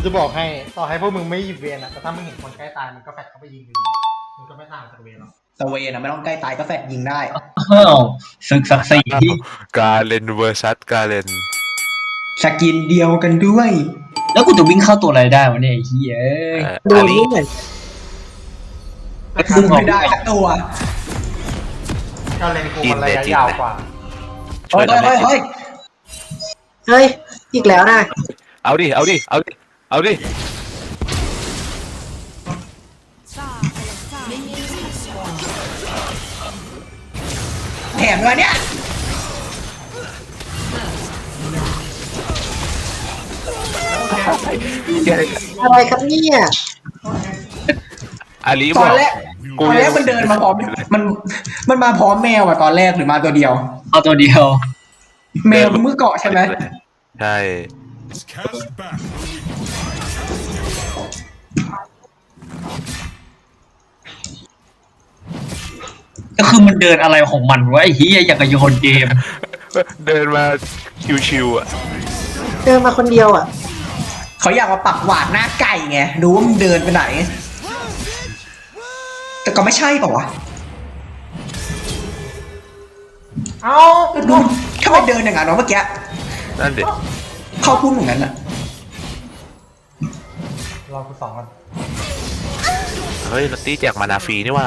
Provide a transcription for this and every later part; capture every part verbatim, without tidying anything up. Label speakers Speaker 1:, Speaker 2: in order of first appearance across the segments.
Speaker 1: จะบอกให้ต่อให้พวกมึงไม่หยิบเวนอะแต่ถ้ามึงเห็นคนใกล้ตายมึงก็แฟดเข้าไปยิงอยู่ดีมึงก็ไม่ต่างจากเวนหรอก
Speaker 2: สเวนอะไม่ต้องใกล้ตายก็แฟดยิงได้
Speaker 3: อ้าวศึกศักดิ์ศรี
Speaker 4: กาเลนเวอร์ซัสกาเลน
Speaker 2: สกินเดียวกันด้วย
Speaker 3: แล้วกูจะวิ่งเข้าตัวอะไรได้วะเนี่ยไอ้เหี้ยเอ้ย
Speaker 5: ดู
Speaker 4: อาลี
Speaker 5: นี่เหมือน
Speaker 3: ซึ่ง
Speaker 2: ไม่ได้สักตัว
Speaker 1: ก็เลนกูมันระยะยาวกว่า
Speaker 4: ช่วย
Speaker 2: เฮ้ย
Speaker 4: ทำให้
Speaker 2: เฮ้ยเฮ้ย
Speaker 5: เฮ้ยอีกแล้วนะ
Speaker 4: เอาดิเอาดิเอาดิเอาดิ
Speaker 2: แถมเลยเนี่ย
Speaker 5: อะไรครับเนี่ย
Speaker 4: อาลี
Speaker 2: ต
Speaker 4: บ
Speaker 2: อ
Speaker 4: อน ก
Speaker 2: แรก
Speaker 4: กู
Speaker 2: ตอนแรกมันเดินมาพร้อมมันมันมาพร้อมแมวอะตอนแรกหรือมาตัวเดียว
Speaker 3: เอาตัวเดียว
Speaker 2: แมวมือเกาะใช่ไหม
Speaker 4: ใช่
Speaker 3: ก็คือมันเดินอะไรของมันวะไอ้เหี้ยอย่างกับโยนเกม
Speaker 4: เดินมาชิวๆอ่ะ
Speaker 5: เดินมาคนเดียวอ่ะ
Speaker 2: เขาอยากมาปักหวาดหน้าไก่ไงดูว่ามันเดินไปไหน แต่ก็ไม่ใช่เปล่าวะ
Speaker 1: เอ้า
Speaker 2: ดูทำไมเดินอย่างนั้นวะเมื่อกี้
Speaker 4: นั่นดิ
Speaker 2: เข้าพุ่งอย่างนั้นอะ
Speaker 1: รอกูสองกัน
Speaker 4: เฮ้ยลอตตี้แจกมานาฟรีนี่ว่า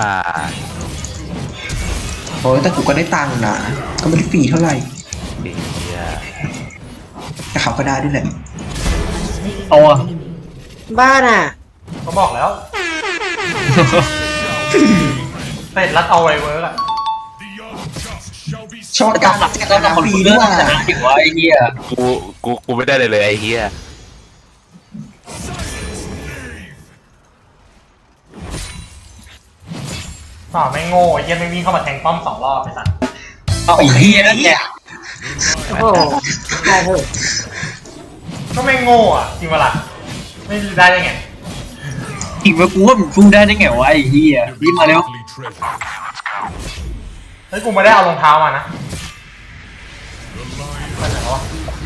Speaker 2: โอ้ยแต่กูก็ได้ตังค์นะก็ไม่ได้ฟรีเท่าไหร่
Speaker 4: เฮีย
Speaker 2: แต่เขาก็ได้ด้วยแหละ
Speaker 3: เอาอะ
Speaker 5: บ้านอ่ะ
Speaker 1: ก็บอกแล้วเสร็จรัดเอาไว้เวิร์กอะ
Speaker 2: ชอบ
Speaker 3: แต่
Speaker 2: กา
Speaker 3: การ รหลัก
Speaker 2: แจก
Speaker 3: การ
Speaker 2: นะ
Speaker 3: คน
Speaker 2: ฟรี
Speaker 3: กู
Speaker 2: ด้
Speaker 3: เลื
Speaker 2: ว
Speaker 3: อย กชนะอยู่วะไอ้เหี้ย
Speaker 4: กูกูกูไม่ได้เลยเลยไอ้เฮีย
Speaker 1: ฝ่าไม่โง่ไอ้เหี้ยังไม่วิ่งเข้ามาแทงป้อมสองรอบไปสัตว์
Speaker 3: เอาไอ้เหี้ยนั่นแหละ
Speaker 5: โอ้โหใช่เถอะ
Speaker 1: ก็ไม่โง่อะจริงปะล่ะไม่ได้ได้ไง
Speaker 3: อีกว่ากูว่ามันพุ่งได้ได้ไงวะไอ้เหี้ยวิ่งมาเร็ว
Speaker 1: เฮ้ยกูไม่ได้เอารองเท้ามานะไปไหนวะ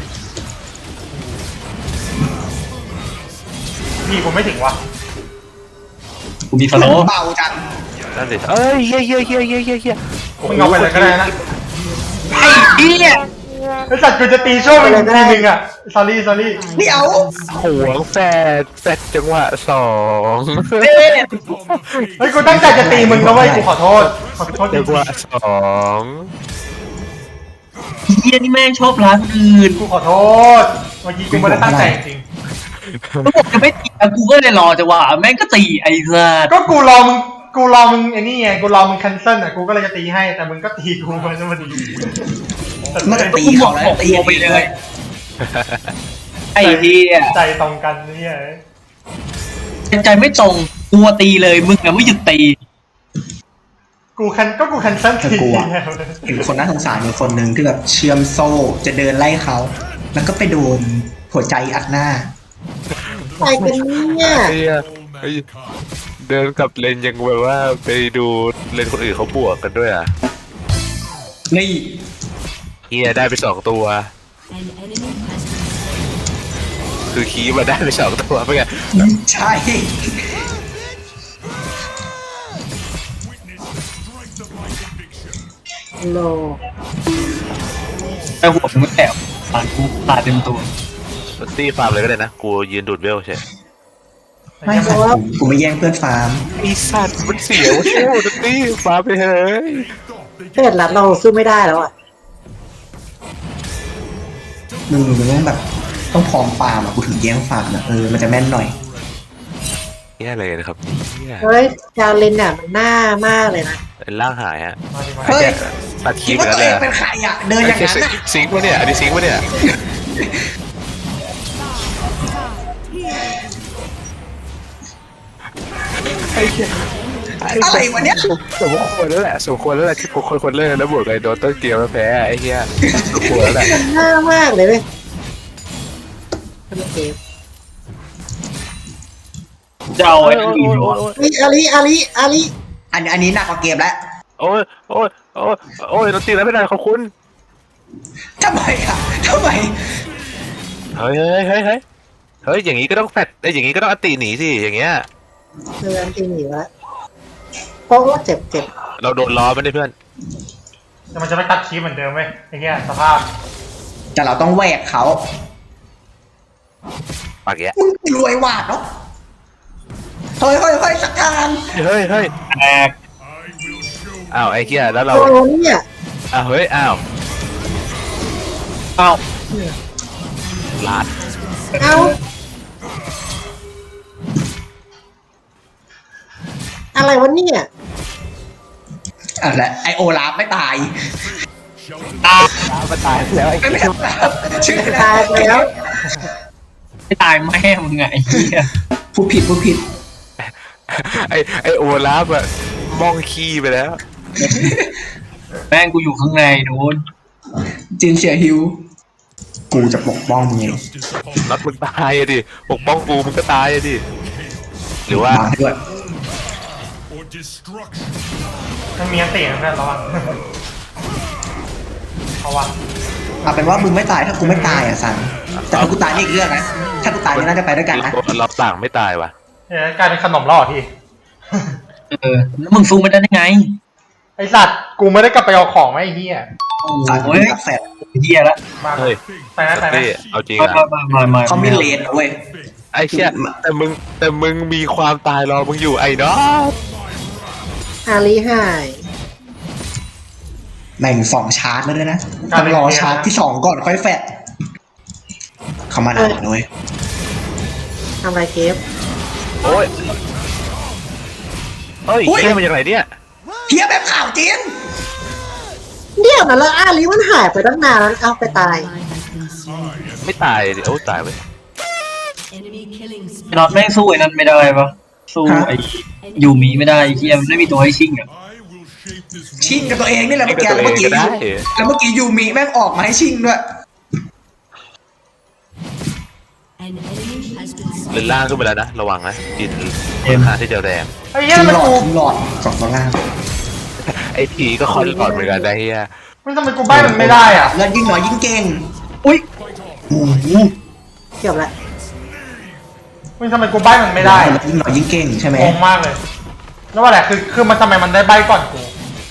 Speaker 1: พี่กูไม่ถึงวะ
Speaker 3: กูมีฟอลโล่
Speaker 2: เบาจัง
Speaker 4: นั่นดิเอ้ยเฮียเฮียเฮียเฮียเฮียเฮีย
Speaker 1: มึงเอาไปเลยก็ได้นะ
Speaker 3: ไอ้เหี้ย
Speaker 1: ไอ้สัตว์กูจะตีช่วงมึงทีนึงอะ sorry sorry
Speaker 2: เดี๋ยว
Speaker 4: หวงแฟดแฟดจังหวะสอง
Speaker 1: เฮ้ยกูตั้งใจจะตีมึงนะเว้ยกูขอโทษขอโทษจริ
Speaker 4: จั
Speaker 1: ง
Speaker 4: งหวะสอง
Speaker 3: เหี้ยนี่แม่งชอบร้านอื่น
Speaker 1: ๆกูขอโทษเมื่อกี้กูไม่ได้ตั้งใจจริง
Speaker 3: ก็บอกจะไม่ตีอ่ะกูก็เลยรอจังหวะแม่งก็ตีไอ้สัส
Speaker 1: ก็กูรอมึงกูรอมึงไอ้นี่ไงกูรอมึง cancel อ่ะกูก็เลยจะตีให้แต่มึงก็ตีกูมันจะมาดี
Speaker 2: มันจะตีเขาแล้วตี
Speaker 3: ไปเลย ไอ้เหี้ย
Speaker 1: ใจตรงกันนี่ไง
Speaker 3: ใจไม่ตรงกลัวตีเลยมึงอะไม่หยุดตี
Speaker 1: กูคันก็กู cancel
Speaker 2: แต่
Speaker 1: ที
Speaker 2: กูอะเห็นคนน่าสงสารอยู่คนหนึ่งที่แบบเชื่อมโซ่จะเดินไล่เขา แล้วก็ไปโดนหัวใจอัดหน้า
Speaker 5: ใครกันเนี่ย
Speaker 4: เฮียเฮ้ยเดินกับเลนยังแบบว่าไปดูเลนคนอื่นเขาบวกกันด้วยอ่ะ
Speaker 2: นี่
Speaker 4: เฮียได้ไปสองตัว คือคีมาได้ไปสองตัวเป็นไง
Speaker 2: ใช่
Speaker 5: โล
Speaker 3: ไอ้หัวมึงไม่แตกปานกูตาเต็มตัว
Speaker 4: ลอตตี้ฟาร์มเลยก็ได้นะกูยืนดูดเวลใช่
Speaker 2: ไม่ค่ะกูกูไม่แย่งเพื่อนฟาร์ม
Speaker 4: ไอสัตว์มันเสียวเชี่ยวลอตตี้ฟาร์มไปเฮ้ย
Speaker 5: เสร็จรัดเราสู้ไม่ได้แล้วอ่ะ
Speaker 2: มึงมึงต้องแบบต้องพร้อมฟาร์มอะกูถึงแย่งฟาร์มนะเออมันจะแม่นหน่อย
Speaker 4: แย่เลยนะครับเนี่ย
Speaker 5: เฮ้ยจาเลนอ่ะมันหน้ามากเลยนะ
Speaker 4: เป็นร่างหายฮะ
Speaker 1: มาดิมา
Speaker 2: เฮ้ย
Speaker 4: ตัดคี
Speaker 2: คิด
Speaker 4: เหมือ
Speaker 2: ว่าน
Speaker 4: กั
Speaker 2: ตั
Speaker 4: น
Speaker 2: ว
Speaker 4: เล
Speaker 2: เอย งเป็นใครอะเดินอย่างนั้นอะ
Speaker 4: ซิงค์ปะเนี่ยอันนี้ซิงค์ปะเนี่ย
Speaker 2: อะไรวะเนี่ย
Speaker 4: สมควรแล้วแหละสมควรแล้วแหละที่ผมคนคนเล่นแล้วบวกไอ้โดนต้นเกมแล้วแพ้ไอ้เหี้ยสมควรแล้วแหละ
Speaker 5: มันหน้ามากเลยเว้ยโอเค
Speaker 3: จะเอาไอ้อื่นวะ
Speaker 5: เฮ้ยอาลีอาลีอาลี
Speaker 2: อันอันนี้หนักกว่าเกมแล้ว
Speaker 4: โอ้ยโอ้ยโอ้ยโอ้ยโดนตีแล้วไม่ได้ขอบคุณ
Speaker 2: ทำไมอะทำไม
Speaker 4: เฮ้ยเฮ้ยเฮ้ยเฮ้ยเฮ้ยอย่างงี้ก็ต้องแฟดไอ้ยอย่างงี้ก็ต้องอติหนีสิอย่างเงี้ย
Speaker 5: เดินตีหนีวะเพราะว่าเจ็บเจ็บ
Speaker 4: เราโดนล้อไม่ได้เพื่อน
Speaker 1: แต่มันจะไม่ตัดคีเหมือนเดิมไหมไอ้เหี้ยสภาพ
Speaker 2: แต่เราต้องแหวกเขา
Speaker 4: ปากแยะ
Speaker 2: มึงรวยหวาดเนาะเฮ้ยเฮ้ยเฮ้ยสักการ
Speaker 4: เฮ้ยเฮ้ย
Speaker 3: แตก
Speaker 4: อ้าวไอ้เหี้ยแล้วเรา
Speaker 5: โอ้เนี่ย
Speaker 4: อ้าวเฮ้ยอ้าว
Speaker 3: เอ้า
Speaker 4: ลาด
Speaker 5: เอาอะไรวะเนี่ย
Speaker 2: อะไรไอโอลาฟไม่ตาย
Speaker 3: มาตายแล้วไอ้
Speaker 2: ไม่ไม่ตายชื่ออะไร
Speaker 5: ตายไปแล้ว
Speaker 3: ไม่ตายแม่มึงไงไอ้เหี้ย
Speaker 2: พูดผิดพูดผิด
Speaker 4: ไอ้ไอ้โอลาฟอะมองขี้ไปแล้ว
Speaker 3: แม่งกูอยู่ข้างในนู้น
Speaker 2: จินเชียร์ฮิว กูจะปกป้องมึงเอง
Speaker 4: นัดมึงตายอะดิปกป้องกูมึงก็ตายอะดิหรือว่า
Speaker 2: มาด้วย
Speaker 1: มันมีอันตีนะเพื่อนระวังเอาวะ
Speaker 2: เอาเป็นว่ามึงไม่ตายถ้ากูไม่ตายอ่ะสันแต่ถ้ากูตายนี่อีกเรื่องนะถ้ากูตายนี่น่าจะไปด้วยกันนะ
Speaker 4: เราต่างไม่ตายวะ
Speaker 1: เฮ้ยกลายเป็นขนมแล้วเหรอพี่
Speaker 3: เออแล้วมึงสู้ไม่ได้ได้ไง
Speaker 1: ไอสัตว์กูไม่ได้กลับไปเอาของไว้ไอ้เหี้ย
Speaker 3: โอ้
Speaker 2: สัน
Speaker 3: ย
Speaker 2: กับแฟด
Speaker 3: เหี้ยละ
Speaker 1: มา
Speaker 4: เฮ้ย
Speaker 1: ไปนะไปนะ
Speaker 4: นี่เอาจริง
Speaker 3: มา
Speaker 4: อะ
Speaker 3: มามามา
Speaker 2: เขามีเลนเว้ย
Speaker 4: ไอ้เชี่ยแต่มึงแต่มึงมีความตายรอมึงอยู่ไอ้เนาะ
Speaker 5: อาลีหาย
Speaker 2: แม่งสองชาร์จแล้วด้วยนะต้องรอชาร์จที่สองก่อนค่อยแฟดเขามาหนาหน่อย
Speaker 5: ทำไรเกฟ
Speaker 4: โอ้ยเฮ้ยเชี่ยมาจากไหนเนี่ย
Speaker 2: เฮียแบบข่าวจริง
Speaker 5: เดี๋ยวนะแล้วอาลีมันหายไปตั้งนานแล้วเอาไปตาย
Speaker 4: ไม่ตายดิโอ้ตายไป
Speaker 3: ไอ้น็อตแม่งสู้ไอ้นั่นไม่ได้ปะสู้ไอ้ยูมิไม่ได้ไอ้เหี้ยมันไม่มีตัวให้ชิงอ่ะ
Speaker 2: ชิงกับตัวเองนี่แหละ
Speaker 4: ให้
Speaker 2: เมื่อ
Speaker 4: กับ
Speaker 2: กี้
Speaker 4: ตัวเอง
Speaker 2: เมื่อกี้
Speaker 4: ก็ได้
Speaker 2: แล้วเมื่อกี้ยูมิแม่งออกมาให้ชิงด้วย
Speaker 4: เล่นล่างขึ้นไปแล้วนะระวังนะจิน
Speaker 3: เอ็ม
Speaker 4: หาที่เจอแดง
Speaker 1: ไอ้เหี้ย
Speaker 2: ชิง
Speaker 1: มัน
Speaker 2: หลอด
Speaker 1: กู
Speaker 2: ชิงหลอดสองตัวล่าง
Speaker 4: ไอ้ผีก็คอนหลอดเหมือนกันนะเฮีย
Speaker 1: มันทำไมกูใบ้มันไม่ได้อ่ะ
Speaker 2: แล้วยิ่งน้อยยิ่งเก่ง
Speaker 3: อุ้ย
Speaker 2: โอ้โห
Speaker 5: เกือบละ
Speaker 1: มันทำไมกูใบ้มันไม่ได้
Speaker 2: แล้วยิ่งน้อยยิ่งเก่งใช่ไหม
Speaker 1: งงมากเลย แล้วว่าแหละคือคือมันทำไมมันได้ใบ้ก่อนกู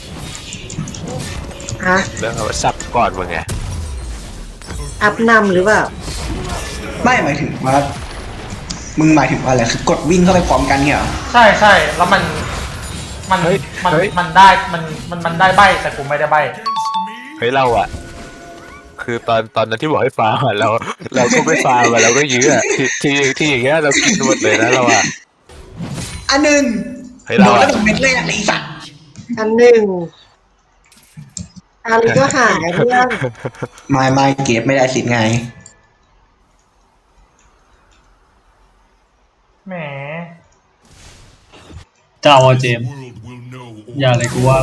Speaker 5: ฮะ
Speaker 4: แล้วเอาซับก่อนมึงไง
Speaker 5: อัพนำหรือเปล่า
Speaker 2: ไม่หมายถึงว่า มึงหมายถึงว่าอะไรคือกดวิ่งเข้าไปพร้อมกันเนี่ยเหรอ
Speaker 1: ใช่ใช่แล้วมันมันมันมันได้มันมันมันได้ใบ้แต่กูไม่ได้ใบ้
Speaker 4: เฮ้ยเราอะคือตอนตอนนั้นที่บอกให้ฟาร์มอะเราเราก็ไม่ฟาร์มอะเราก็ยื้ออะที่ที่ที่อย่างเงี้ยเรากินหมดเลยนะเราอะ
Speaker 2: อันหนึ่ง
Speaker 4: เฮ้ย
Speaker 2: โด
Speaker 4: เรา
Speaker 2: น
Speaker 4: อะ
Speaker 2: แล้วโดนเม็ดเลยอะไอ้สัตว์
Speaker 5: อันหนึ่งอาลีก็หายเพื่อน
Speaker 2: ไม่ไม่เก็บไม่ได้สิไง
Speaker 1: แหม
Speaker 3: เจ้าอ่ะเจมส์อย่าเลยกูว่า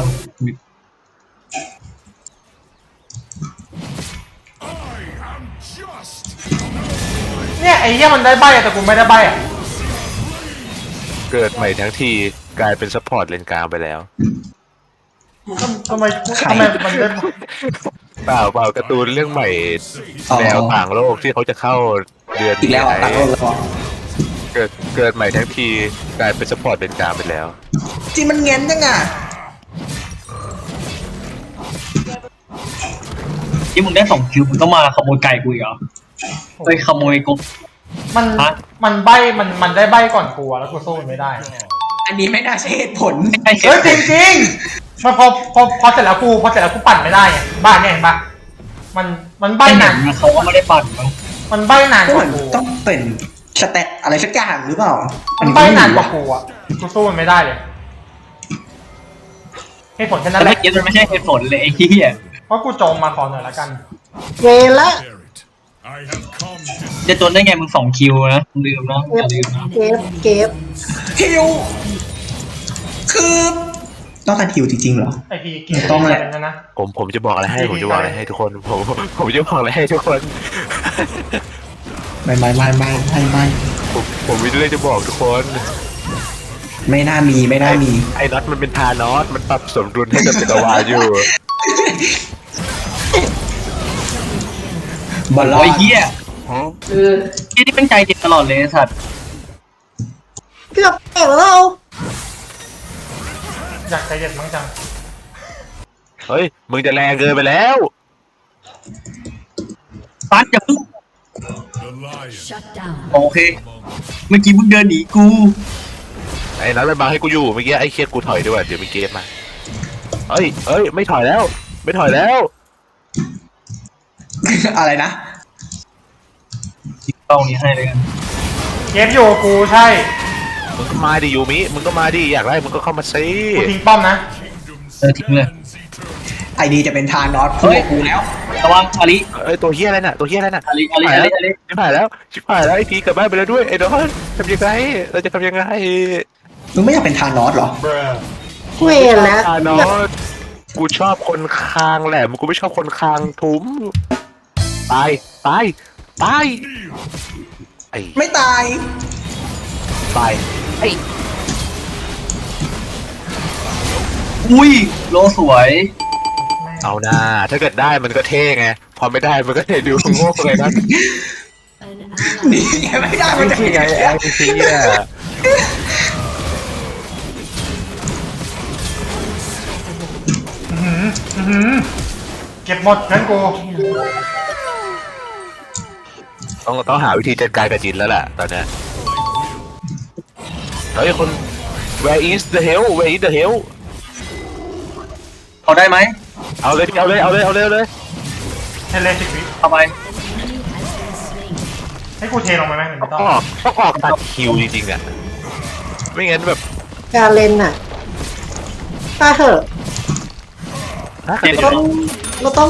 Speaker 1: เนี่ยไอ้เหี้ยมันได้ใบ้แต่กูไม่ได้ใบ้อะ
Speaker 4: เกิดใหม่ทั้งทีกลายเป็นซัพพอร์ตเลนกลางไปแล้ว
Speaker 1: ทำทำไมทำไมมันได้
Speaker 4: เปล่าเปล่าการ์ตูนเรื่องใหม่
Speaker 2: อ๋อ
Speaker 4: แนวต่างโลกที่เขาจะเข้าเดือน
Speaker 2: อีกแล้วอ่ะตัดโลกแล้วอ่ะ
Speaker 4: เกิดเกิดใหม่ทั้งทีกลายเป็นซัพพอร์ตเลนกลางไปแล้ว
Speaker 2: จริงมันเงี้ยนจังอ่ะ
Speaker 3: ที่มึงได้สองคิวมึงต้องมาขโมยไก่กูอีกเหรอไปขโมยกบ
Speaker 1: มัน
Speaker 3: ฮะ
Speaker 1: มันใบ้มันมันได้ใบ้ก่อนกูอะแล้วกูสู้มันไม่ได้
Speaker 2: อันนี้ไม่น่าใช่เหตุผล
Speaker 3: ไอ้เหี้
Speaker 1: เฮ้ยจริ
Speaker 3: ย
Speaker 1: งจริงๆมันพอพอพอเสร็จแล้วกูพอเสร็จแล้วกูปั่นไม่ได้ไงบ้านเนี่ยเห็นปะมันมันใบ้
Speaker 3: ไอ้ห
Speaker 1: นา
Speaker 3: นั
Speaker 1: น
Speaker 3: งเขาก็ไม่ได้ปั่นมั้ง
Speaker 1: มันใบ้นาน
Speaker 2: ก็
Speaker 1: ก
Speaker 2: เหมื
Speaker 1: ว่า
Speaker 2: อน
Speaker 1: กู
Speaker 2: ต้องเป็นสเตตอะไรสักอย่างหรือเปล่า อั
Speaker 1: มัน
Speaker 2: ก็
Speaker 1: ใบ้
Speaker 2: ไม่
Speaker 1: นาน
Speaker 2: รู้
Speaker 1: กว่า
Speaker 2: อะ
Speaker 1: กูอะกูสู้มันไม่ได้เลยเหตุผลแค่นั้
Speaker 3: แต่
Speaker 1: นแห
Speaker 3: เมื่
Speaker 1: ละ
Speaker 3: อกี้มันไม่ใช่เหตุผลเลยไอ้เหี้ย
Speaker 1: เพราะกูโจมมาขอหน่อยละกัน
Speaker 5: เวละ
Speaker 3: จะจนได้ไงมึงสองคิวนะลืมนะอย่าลืมนะ
Speaker 5: เกฟเกฟ
Speaker 2: ฮิวคือต้องการฮิวจริงๆเหรอ
Speaker 1: ไอพีเกีย
Speaker 2: ต้องแหละ
Speaker 1: นะนะ
Speaker 4: ผมผมจะบอกอะไรให้ผมจะบอกอะไรให้ทุกคนผมผมจะบอกอะไรให้ทุกคน
Speaker 2: ไม่ไม่ไม่ไม่ไม่ไม่
Speaker 4: ผมผมมีเรื่องจะบอกทุกคน
Speaker 2: ไม่น่ามีไม่น่ามี
Speaker 4: ไอ้น็อตมันเป็นทานอสมันปรับสมดุลให้กับจักรวาลอยู่
Speaker 2: บอลลอ
Speaker 3: ไอ้
Speaker 2: ด
Speaker 3: เหี้ย
Speaker 5: เออ
Speaker 3: ที่นี่เป็นใจเจ็บตลอดเลยไอ้สัตว์
Speaker 5: เกือบแตกแล้ว
Speaker 1: อยากใจเย็นมั้งจัง
Speaker 4: เฮ้ยมึงจะแรงเกินไปแล้ว
Speaker 3: ปัดอย่าพึ่ง
Speaker 6: Shut down.
Speaker 3: โอเค เมื่อกี้มึงเดินหนีกู
Speaker 4: ไอ้นั้นมันบังให้กูอยู่เมื่อกี้ไอ้เคียกูถอยด้วยเดี๋ยวมีเกมมาเฮ้ยเฮ้ยไม่ถอยแล้ว ไม่ถอยแล้ว
Speaker 2: อะไรนะ
Speaker 3: จิบเป้านี้ให้เลยกัน
Speaker 1: เกฟอยู่กับกูใช่
Speaker 4: มึงก็มาดิยูมิมึงก็มาดิอยากได้มึงก็เข้ามาซิ
Speaker 1: กูทิ้งป้อมนะ
Speaker 3: เออทิ้งเลย
Speaker 2: ไอดีจะเป็นทานอส
Speaker 3: เฮ้
Speaker 2: คู่
Speaker 3: ย
Speaker 2: กับกูแล้ว
Speaker 3: ระวังอาลิ
Speaker 4: เอ้ยตัวเฮียอะไรน่ะตัวเฮียอะไรน่ะ
Speaker 3: อาลิอาลิอาลิอาลิ
Speaker 4: ชิบหายแล้วชิบหายแล้วไอ้พีกลับบ้านไปแล้วด้วยไอ้ดอนทำยังไงเราจะทำยังไง
Speaker 2: มึงไม่อยากเป็นทานอสเหรอ
Speaker 5: เวรแล้ว
Speaker 4: อ่านอสกูชอบคนคางแหละมึงกูไม่ชอบคนคางทุ้มตายตายตายไอ้
Speaker 2: ไม่ตาย
Speaker 4: ตายไอ้
Speaker 3: อุ้ยโลสวย
Speaker 4: เอาหน้าถ้าเกิดได้มันก็เท่ไงพอไม่ได้มันก็เท่ดูโง่เลยนะ
Speaker 6: An
Speaker 2: นี่
Speaker 6: ally.
Speaker 2: ไงไม่ได้มันจะ
Speaker 4: นี่ไงไอ้พีอ่ะ
Speaker 1: อื้อหืออื้อหือเก็บหมดงั้นกู
Speaker 4: ต้องต้องหาวิธีจัดการกับจินแล้วแหละตอนเนี้ยเฮ้ยคน where is the hell where is the hell
Speaker 3: เอาได้ไหม
Speaker 4: เอาเลยเอาเลยเอาเลยเอาเลยเอาเลย
Speaker 1: ให้เลสิกวิ
Speaker 3: เอาไป
Speaker 1: ให้กูเทลงไปไหมหรือไม่
Speaker 4: ต้
Speaker 1: ต้
Speaker 4: อ
Speaker 1: อง ง
Speaker 4: ออกต้องออกตัดคิวจริงๆอ่ะไม่งั้นแบบ
Speaker 5: การเล่นน่ะตาเถอะ
Speaker 4: ถ้า
Speaker 3: เจ็
Speaker 4: เกิ
Speaker 3: บ
Speaker 4: ด
Speaker 5: เราต้อง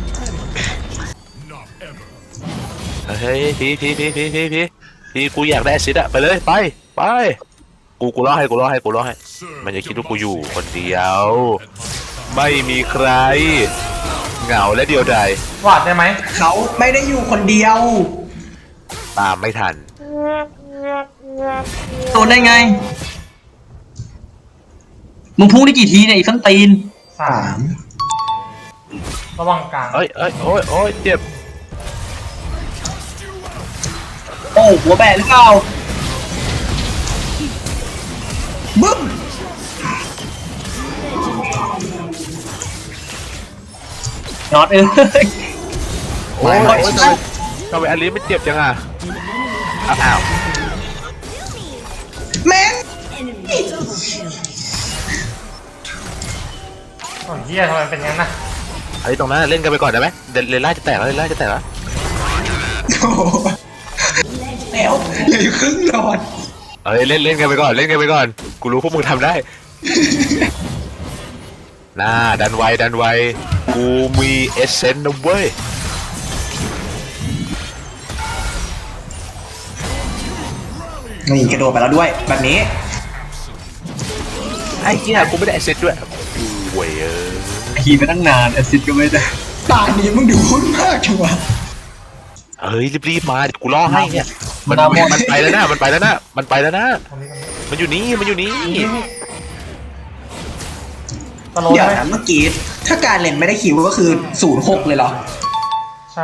Speaker 4: เฮ้ยพีพีพีพีพีพีพีกูอยากได้แอสซิดอะไปเลยไปไปกูกูรอให้กูรอให้กูรอให้มันจะคิดว่ากูอยู่คนเดียว ไม่มีใคร เหงาและเดียวดายว
Speaker 1: าดได้ไหม
Speaker 2: เขาไม่ได้อยู่คนเดียว
Speaker 4: ตามไม่ทัน
Speaker 3: โดนได้ไง มึงพุ่งได้กี่ทีเนี่ยอีสันตีน
Speaker 1: สา
Speaker 2: สาม ม
Speaker 1: ระวังกลาง
Speaker 4: เอ้ยเอ้ยโอ้ยโอ้ยเจ็บ
Speaker 3: โอ้หัวแบะหรือเปล่า
Speaker 2: บึ้ม
Speaker 3: น็อตเอ้ย
Speaker 4: โอ้ยโอ้ยทำไมทำไมอันนี้ไม่เจ็บจังอ่ะอ้าว
Speaker 2: แม่ง
Speaker 1: โอ้ยเฮียทำไมเป็นงั้นน่ะ
Speaker 4: ไอ้ตรงนั้นเล่นกันไปก่อนได้ไหมเดเลล่าจะแตกแล้วเลล่าจะแตกแล้ว
Speaker 2: โอ้โหแล้วเหลืออยู่ครึ่งหลอด
Speaker 4: เอ้ยเล่นเล่นกันไปก่อนเล่นกันไปก่อนกูรู้พวกมึงทำได้น่าดันไวดันไวกูมีเอเซนต์นะเว้ย
Speaker 2: นี่กระโดดไปแล้วด้วย แบบนี้
Speaker 4: ไอ้เหี้ยกูไม่ได้เอเซนต์ด้วยโว้ยเออ
Speaker 3: ขี่ไปตั้งนานแอสซิดก็ไม่ได้
Speaker 2: ตานี้มึงดูหุ้นมากจังวะ
Speaker 4: เฮ้ยรีบๆมากูรอให้เนี่ยมันมันไปแล้วนะมันไปแล้วนะมันไปแล้วนะ
Speaker 1: ตรงนี้ตรงนี้
Speaker 4: มันอยู่นี่มันอยู่นี่
Speaker 1: ตะโลด
Speaker 2: เดี๋ยว
Speaker 1: ไหม
Speaker 2: นะเมื่อกี้ ถ้าการเล่นไม่ได้คิวก็คือศูนย์หกเลยเหรอ
Speaker 1: ใช่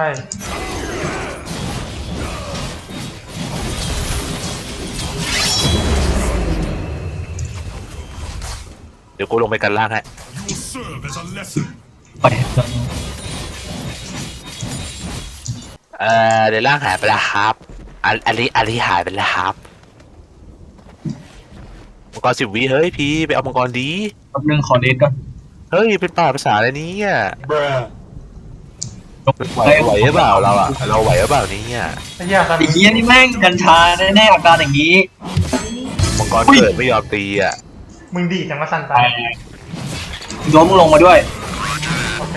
Speaker 4: เดี๋ยวกูลงไปกันล่างให้
Speaker 3: ไป
Speaker 4: เอ่อเดี๋ยวล่างหายไปแล้วครับอันอันนี้อันนี้หายไปแล้วครับมังกรสิบวิเฮ้ยพี่ไปเอามังกรดี
Speaker 3: แป๊บนึงขอเดทก่อน
Speaker 4: เฮ้ยเป็นป่าภาษาอะไรเนี่ย
Speaker 3: ยก
Speaker 4: ไหวไหวหรือเปล่าเราอะเราไหวหรือเปล่าเนี่ย
Speaker 1: ไอ้เฮียตอน
Speaker 3: ไอ้
Speaker 1: นี้
Speaker 3: เหี้ยนี่แม่งกัญชาแน่ๆอาการอย่างนี้
Speaker 4: มังกรเกิดไม่ยอมตีอะ
Speaker 1: มึงดีจังว่าสัน
Speaker 3: ไป
Speaker 1: ตาย
Speaker 3: โยมมึงลงมาด้วย
Speaker 1: โอเค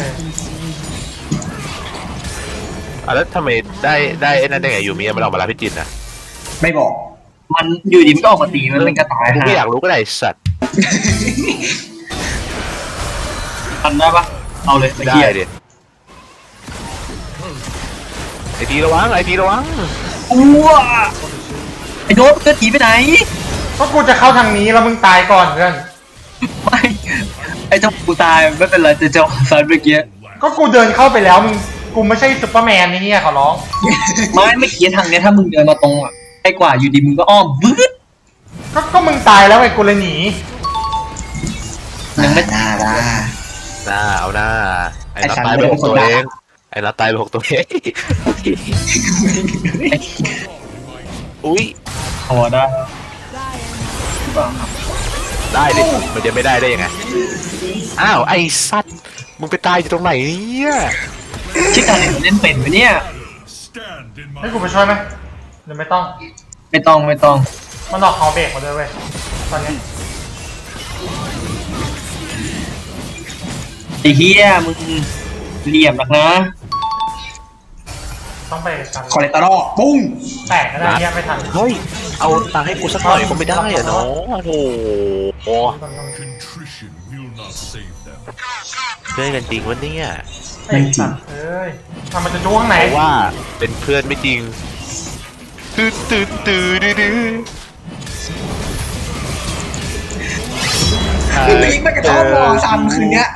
Speaker 4: อ่ะแล้วทำไมได้ได้ไอ้นั่นได้ไงยูมิมันออกมารับพี่จินอะ
Speaker 2: ไม่บอก
Speaker 3: มันอยู่ดีมันก็ออกมาตีมันเป็นกระต่าย
Speaker 4: กู
Speaker 3: ฮะ
Speaker 4: ไม่อยากรู้ก็ได้ไอ้สัตว์
Speaker 3: ทันได้ปะเอาเลยไอ้
Speaker 4: ได้
Speaker 3: เหี้ย
Speaker 4: ดิไอทีระวังไอทีระวัง
Speaker 3: อ้วไอ้โดมเกิดหนีไปไหน
Speaker 1: ก็กูจะเข้าทางนี้แล้วมึงตายก่อนเพื่อน
Speaker 3: ไม่ ไอ้เจ้ากูตายไม่เป็นไรแต่เจ้าซันเมื่อกี้
Speaker 1: ก็กูเดินเข้าไปแล้วมึงกูไม่ใช่ซุปเปอร์แมนนี่เนี่ยขอร้อง
Speaker 3: ไม่ไม่คิดทางเนี้ยถ้ามึงเดินมาตรงอ่ะใกล้กว่าอยู่ดีมึงก็อ้อมบึ้ด
Speaker 1: ก็ก็มึงตายแล้วไอ้กูเลยหนี
Speaker 3: ยังไม่
Speaker 2: หน้าละ
Speaker 4: หน้าเอาหน้าไอ้
Speaker 2: ไอ้
Speaker 4: นัท
Speaker 2: ฉัน
Speaker 4: ตายไป
Speaker 2: ไม่ได้
Speaker 4: หกตัว
Speaker 2: เป็นคนด่า
Speaker 4: เองไอ้นัทตายไปหกตัวเองอุ้ย
Speaker 3: พอได้
Speaker 4: ได้ดิมันจะไม่ได้ได้ยังไงอ้าวไอ้สัตว์มึงไปตายอยู่ตรงไหนเนี่ย
Speaker 3: ชิคการเนี่ยเล่นเป็นไหมเนี่ย
Speaker 1: ให้กูไปช่วยไหมหรือไม่ต้อง
Speaker 3: ไม่ต้องไม่ต้อง
Speaker 1: มันออกคอเบรกมาด้วยเว้ยตอนนี้
Speaker 3: ไอ้เฮียมึงเหลี่ยมหนักนะ
Speaker 1: ต้องไปกัน
Speaker 2: คอเลสเตอรอลปุ้ง
Speaker 1: แตกก็ได้เนี่ยไม่ทัน
Speaker 4: เฮ้ยเอาตังค์ให้กูสักหน่อยก็ไม่ได้อะเนาะโอ้โหเพื่อนกันจริงวะเนี่ย
Speaker 1: ไอ้สัตว์เอ้ยทำมันจะจู้ข้างไหน
Speaker 4: เพราะว่าเป็นเพื่อนไม่จริงตื่นตื่นตื่นดื้อดื้อ
Speaker 2: ปีกมันกระทบวอซ้ำคืนเนี้ย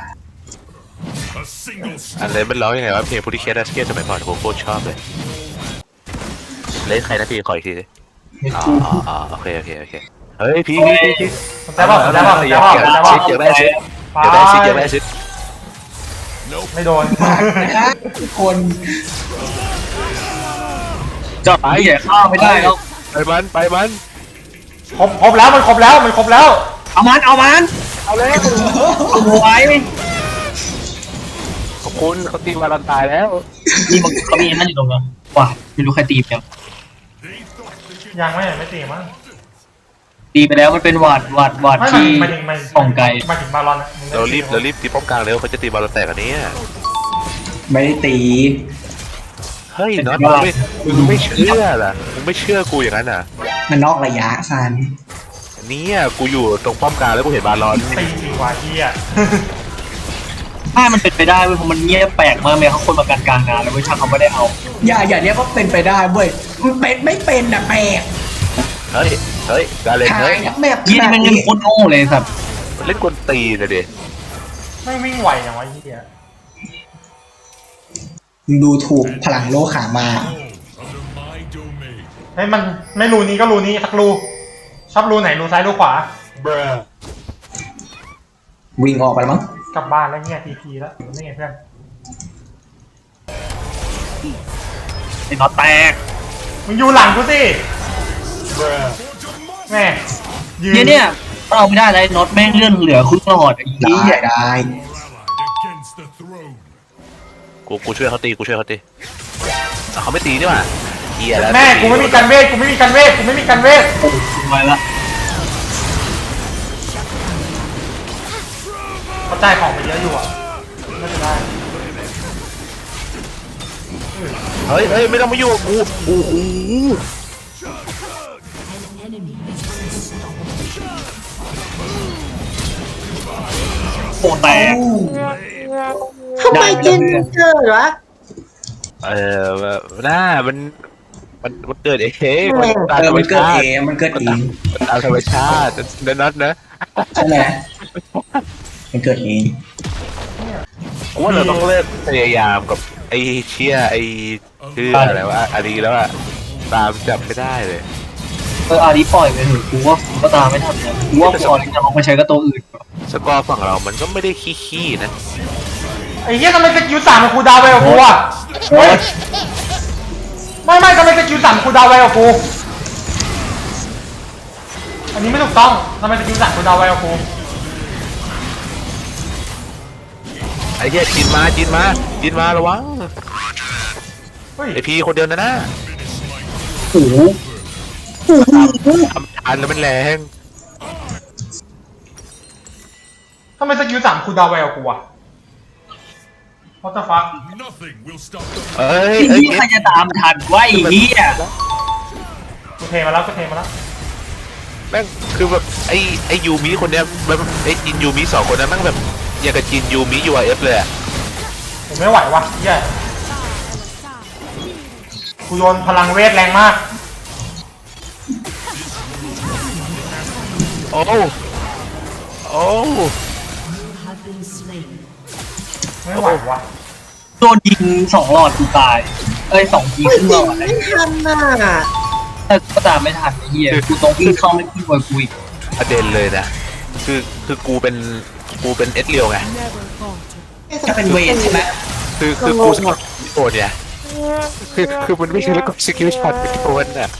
Speaker 4: อะไรมันร้องยังไงวะเพลงพูดิเคสดัสเกตสมัยก่อนผมโคตรชอบเลยเล่นใครนะพี่ขออีกทีสิอ๋ออ๋อโอเคโอเคโอเคเฮ้ยพี่พี่พี่
Speaker 1: แต่บอกแต่บอก
Speaker 4: อ
Speaker 1: แต่
Speaker 4: ยาก
Speaker 1: บอก
Speaker 4: อยาก
Speaker 1: แต่บ
Speaker 4: ได้
Speaker 1: อก
Speaker 4: ซิดอยากได้ซิดอยากได้ซิดอยากได้ซิด
Speaker 1: ไม่โดน
Speaker 2: มากนะทุกคน
Speaker 3: จับไอ้เหี้ยข้าวไม่ได้แล้ว
Speaker 4: ไปมันไปมัน
Speaker 1: ครบครบแล้วมันครบแล้วมันครบแล้ว
Speaker 3: เอามันเอามัน
Speaker 4: เอาเลย
Speaker 3: โอ้ย
Speaker 4: ขอบคุณเขาตีวารันตายแล้ว
Speaker 3: นี่มันเขามีนั่นอยู่ตรงนั้นว้าไม่รู้ใครตียัง
Speaker 1: ยังไม่ไม่ตีมั้ง
Speaker 3: ตีไปแล้วมันเป็นหวัดหวัดหวัด
Speaker 1: ไม่
Speaker 3: ที่
Speaker 1: มาถึงมา
Speaker 3: ส่องไกล
Speaker 1: มาถึงบาลอน
Speaker 4: เรารีบเรารีบตีป้อมกลางเร็วเขาจะตีบอลแตกอันนี้
Speaker 2: ไม่ได้ตี
Speaker 4: เฮ้ยน็อตมึงไม่มึงไม่เชื่อล่ะมึงไม่เชื่อกูอย่างนั้นอ่ะ
Speaker 2: มันนอกระยะซัน
Speaker 4: เนี่ยกูอยู่ตรงป้อมกลางแล้วกูเห็นบาลอน
Speaker 1: ตีจริงว่ะเฮีย
Speaker 3: ถ้ามันเป็นไปได้เว้ยเพราะมันเงียบแปลกมากเลยเขาคนมาการกลางงานแล้วเว้ยถ้าเขาไม่ได้เอา
Speaker 2: อย่าอย่าเรียกว่าเป็นไปได้เว้ยมันเป็นไม่เป็นอะแปลก
Speaker 4: เฮ้ยเฮ้ยการเล่น
Speaker 2: หา
Speaker 4: เฮ้
Speaker 2: ย
Speaker 4: ย
Speaker 2: ทั้งแมป
Speaker 3: ยี่นี่มันเงินโคตรโง่เลยสัตว์
Speaker 4: เล่นกวนตีนเลยดิ
Speaker 1: ไม่วิ่งไหวอย่างวะเฮีย
Speaker 2: มึงดูถูกพลังโลกขามา
Speaker 1: เฮ้ยมันไม่รูนี้ก็รูนี้สักรูชอบรูไหนรูซ้ายรูขวา
Speaker 2: วิ่งออกไปแล้วมั้ง
Speaker 1: กลับบ้านแล้วเฮียทีทีแล้วนี่ไงเพื่อน
Speaker 3: ไอ้น็อตแตก
Speaker 1: มึงอยู่หลังกูสิแม่ยืน
Speaker 3: เนี่ยเนี่ยถ้าเอาไม่ได้เลยน็อตแม่งเลื่อนเหลือครึ่งหลอดไอ้
Speaker 2: ได้
Speaker 3: เหี้ย
Speaker 2: ได้
Speaker 4: กูกูช่วยเขาตีกูช่วยเขาตีแต่เขาไม่ตีนี่หว่าเฮียแล้ว
Speaker 1: แม่กูไม่มีการเวทกูไม่มีการเวทกูไม่มีการเวท
Speaker 3: โอ้ยไปละ
Speaker 1: เขาจ่ายของไปเยอะอยู่อ่ะน่าจะได้
Speaker 4: เฮ้ยเฮ้ยไม่ต้องมาอยู่กับกูโอ้โห
Speaker 6: An enemy has been stopped.
Speaker 3: โอ้แตก
Speaker 5: ทำไมเจนเกิดวะ
Speaker 4: เออหน้ามันมันมันเกิดเองมันตาม
Speaker 2: เอ
Speaker 4: ธ
Speaker 2: อ
Speaker 4: รรม
Speaker 2: มันเกิด
Speaker 4: ชา
Speaker 2: เอ
Speaker 4: ติ
Speaker 2: งมันเกิดเอง
Speaker 4: มันตามธรรมชาติเดนนัทนะ
Speaker 2: ใช่ไหมมันเกิดเอง
Speaker 4: กูว่าเราต้องเลิกพยายามกับไอ้เชี่ยไอ้ชื่ออะไรวะอารีแล้วอะตามจับไม่ได้เลย
Speaker 3: เอออารีปล่อยไปเถอะกูว่ากูก็ตามไม่ทันนะกูว่ากูเอาลิงจะลองไปใช้กับตัวอื่น
Speaker 4: สกอร์ฝั่งเรามันก็ไม่ได้ขี้ๆนะ
Speaker 1: ไอ้เหี้ยทำไมสกิลสามมันคูลดาวน์ไวกว่ากูอ่ะเฮ้ยไม่ไม่ทำไมสกิลสามคูลดาวน์ไวกว่ากูอันนี้ไม่ถูกต้องทำไมสกิลสามคูลดาวน์ไวกว่ากู
Speaker 4: ไอ้เหี้ยจินมาจินมาจินมาระวัง
Speaker 1: เฮ้ย
Speaker 4: ไอพีคนเดียวนะนะ
Speaker 3: โอ้โห
Speaker 4: ทำทานแล้วมันแรง
Speaker 1: ทำไมสกิลสามคูลดาวน์ไวกว่ากูอ่ะ What the fuck
Speaker 4: เอ้ย
Speaker 3: ไอ้
Speaker 4: เอ้ย
Speaker 3: เหี้ยใครจะตามทันวะไอ้เหี้ย
Speaker 1: กูเทมาแล้วกูเทมาแล้ว
Speaker 4: แม่งคือแบบไอ้ไอ้ยูมิคนเนี้ยแบบไอ้จินยูมิสองคนนั้นแม่งแบบอย่างกับจินยูมิยูอาร์เอฟเลยอะ
Speaker 1: ผมไม่ไหววะเหี้ยกูโยนพลังเวทแรงมาก
Speaker 4: โอ้โอ้
Speaker 6: Have been slain.
Speaker 1: ไม่ไหววะ
Speaker 3: โดนยิงสองหลอดกูตายเอ้ยสองทีครึ่งหลอดอะไร
Speaker 5: ไม่ทันน่ะ
Speaker 3: แต่ก็ตามไม่ทันไอ้เหี้ยกูต้องวิ่งเข้าไม่ขึ้นกว่ากูอีก
Speaker 4: ประเด็นเลยนะคือคือกูเป็นกูเป็นเอสเรียวไง
Speaker 2: ถ้าเป็นเวทใช่ไหม
Speaker 4: คือคือกูชอบโอนเนี่ยคือคือมันไม่ใช่แล้วก็สกิลช็อตเป็นโอนอ่ะ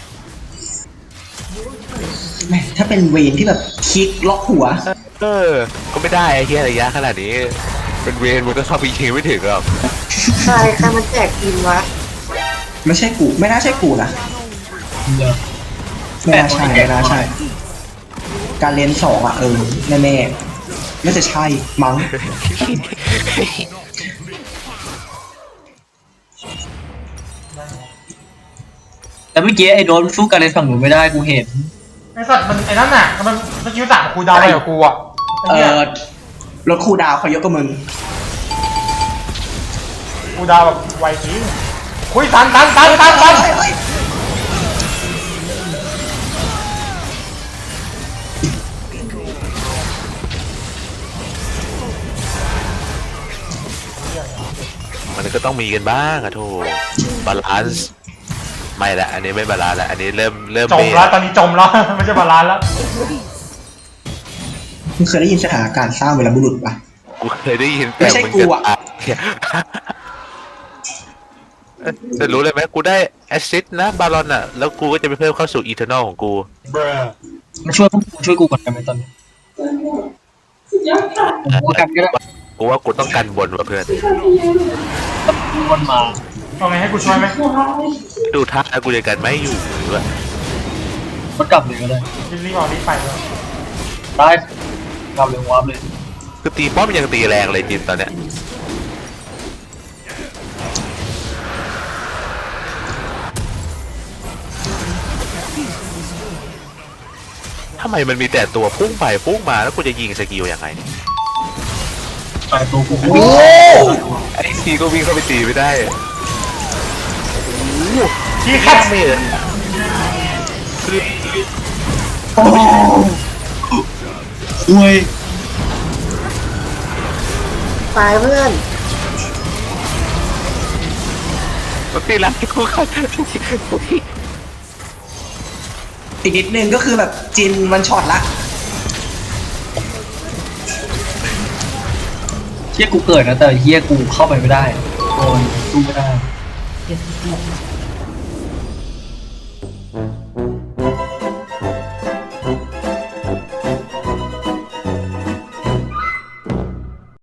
Speaker 2: แม่ถ้าเป็นเวทที่แบบคลิกล็อกหัว
Speaker 4: เออก็ไม่ได้ไอ้เหี้ยระยะขนาดนี้เป็นเวรมันก็เข้าไปยิงไม่ถึงหรอก
Speaker 5: ใครใครมันแจกกินวะ
Speaker 2: ไม่ใช่กูไม่น่าใช่กูนะ
Speaker 3: เดี๋ยว
Speaker 2: ไม่น่าใช่ไม่น่าใช่ การเรียนสองอ่ะเออแน่แน่ๆน่าจะใช่มั้ง
Speaker 3: แต่เมื่อกี้ไอ้โดนสู้กันในฝั่งหนูไม่ได้กูเห็น
Speaker 1: ไอ้สัตว์มันไอ้นั่นน่ะมันสกิลสามคูลดาวน์ไปกับกูอ่ะไอ้
Speaker 2: เอ
Speaker 1: เหี้ย
Speaker 2: อรถครูดาวเขาเยอะกว่ามึง
Speaker 1: คูลดาวน์แบบไวจริงคุยตันตันตันตันตัน
Speaker 2: เฮ้ยเฮ้ย
Speaker 4: มันก็ต้องมีกันบ้างอะโถบาลานซ์ไม่ละอันนี้ไม่บาลานซ์ละอันนี้เริ่มเริ่ม
Speaker 1: จม
Speaker 4: เบ
Speaker 1: แล้วตอนนี้จมแล้ว ไม่ใช่บาลานซ์แล้ว
Speaker 2: มึงเคยได้ยินสถานการณ์สร้างเวลาบุรุษปะ
Speaker 4: กูเคยได้ยิน
Speaker 2: ไม่ใช่
Speaker 4: มึง
Speaker 2: กูอะ
Speaker 4: จะรู้เลยไหมกูได้แอสซิสต์นะบาลอนอะแล้วกูก็จะไปเพิ่มเข้าสู่อีเทอร์นอลของกู
Speaker 3: มาช่วยพวกกูช่วยกูก่อนกันไหมตอนนี้ผมว่ากันก็ได้
Speaker 4: กูว่ากูต้องกันบนว่ะเพื่อน
Speaker 3: วนมา
Speaker 1: เอาไงให้กูช่วยไหม
Speaker 4: ดูท่ากูจะกันไม่อยู่ด้วย
Speaker 3: มันกลับเลยก็ได้
Speaker 1: รีบรีบเอารีบไปเลย
Speaker 3: ได้กลับเลยวับเลย
Speaker 4: คือตีป้อมยังตีแรงเลยจินตอนเนี้ยทำไมมันมีแต่ตัวพุ่งไปพุ่งมาแล้วกูจะยิงสกิลยังไง
Speaker 3: ไปตัวกู
Speaker 1: โอ้
Speaker 4: ไอ้ทีก็วิ่งเข้าไปตีไม่ได้
Speaker 1: ที่แค
Speaker 4: แค่
Speaker 1: บ
Speaker 4: ไม่เลยคือ
Speaker 3: โอ้อุ้ย
Speaker 5: ตายเพื่อน
Speaker 4: มันตีรักกูเขา
Speaker 2: อีกนิดนึงก็คือแบบจินมันช็อตละ
Speaker 3: เฮียกูเกิดนะแต่เฮียกูเข้าไปไม่ได้โดนสู้ไม่ได้